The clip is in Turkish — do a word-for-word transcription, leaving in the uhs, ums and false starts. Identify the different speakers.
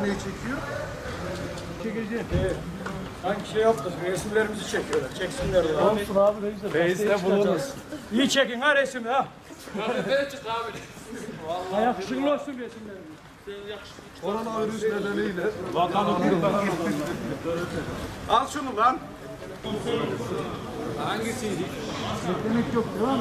Speaker 1: neyi çekiyor?
Speaker 2: Çekici.
Speaker 3: Evet. Sanki şey yaptık, resimlerimizi çekiyorlar. Çeksinler de.
Speaker 2: Olsun abi ne güzel.
Speaker 3: Reisle bulunuruz. İyi çekin ha resmi ha.
Speaker 2: Yakışıklı olsun resimlerimiz.
Speaker 1: Koronavirüs nedeniyle.
Speaker 4: Al şunu lan.
Speaker 2: Beklemek yok devam.